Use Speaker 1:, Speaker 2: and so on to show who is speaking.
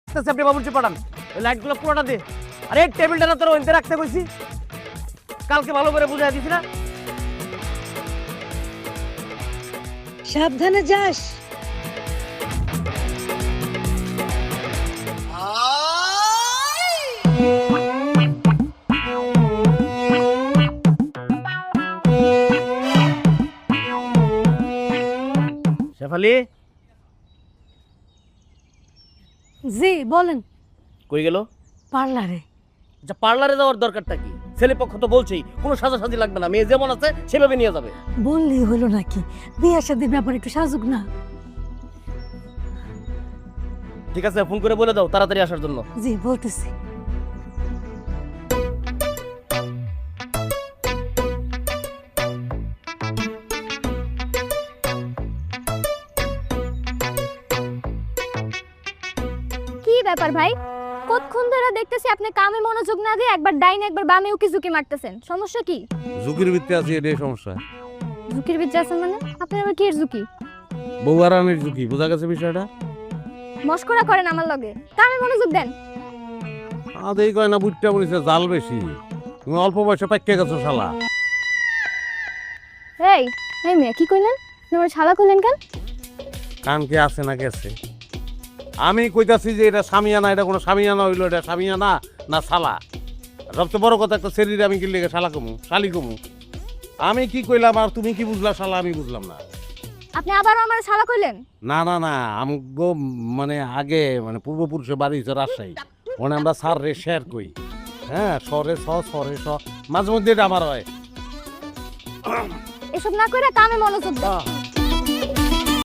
Speaker 1: আপনি বাবুর্চি পাঠান, ওই লাইটগুলো পুরোটা দে। আরে টেবিলটা না তোর ওইতে রাখতে কইছি, কালকে ভালো করে বুঝাই দিছি না।
Speaker 2: সাবধানে যাস।
Speaker 1: শেফালি
Speaker 2: জি বলেন।
Speaker 1: কই গেল?
Speaker 2: পার্লারে।
Speaker 1: আচ্ছা পার্লারে যাওয়ার দরকারটা কি? ছেলে পক্ষ তো বলছেই কোনো সাজাসাজি লাগবে না, মেয়ে যেমন আছে সেভাবে নিয়ে যাবে।
Speaker 2: বললেই হলো নাকি, বিয়ের শাদীর ব্যাপারে একটু সাজুক না।
Speaker 1: ঠিক আছে ফোন করে বলে দাও তাড়াতাড়ি আসার জন্য।
Speaker 2: জি বলতেছি।
Speaker 3: কি ব্যাপার ভাই, কতক্ষণ ধরে দেখতেছি আপনি কামে মনোযোগ না দিয়ে একবার ডাইনে একবার বামে উকি ঝুঁকি মারতেছেন, সমস্যা কি?
Speaker 4: ঝুঁকির ভিত্তি আছে, এটাই সমস্যা।
Speaker 3: ঝুঁকির ভিতরে আছেন মানে? আপনার আবার কি এর ঝুঁকি?
Speaker 4: বউ আরামের ঝুঁকি, বোঝা গেছে বিষয়টা?
Speaker 3: মস্করা করেন আমার লগে, কামে মনোযোগ দেন।
Speaker 4: আদেই কয় না বুটটা বলিছে জাল বেশি, তুমি অল্প বয়সে পাইকে গেছো শালা।
Speaker 3: এই এই মেয়ে কি কইলেন? তোমার শালা কইলেন কেন?
Speaker 4: কান কি আছে না গেছে? আমি কইতাছি যে এটা সামিয়ানা, এটা কোনো সামিয়ানা হইলো, এটা সামিয়ানা না শালা। সবচেয়ে বড় কথা, একটা শরীরে আমি কি লেগে শালা কমু শালি কমু? আমি কি কইলাম আর তুমি কি বুঝলা শালা? আমি বুঝলাম না।
Speaker 3: আপনি আবার আমার শালা কইলেন?
Speaker 4: না না না, আমগো মানে আগে মানে পূর্বপুরুষের বাড়ি হচ্ছে রাজশাহী, ওখানে আমরা সার রে শেয়ার কই। হ্যাঁ, সরে সরে মাঝে মধ্যে এটা আমার হয়।
Speaker 3: এসব না কইরা কামে মনোযোগ দেন।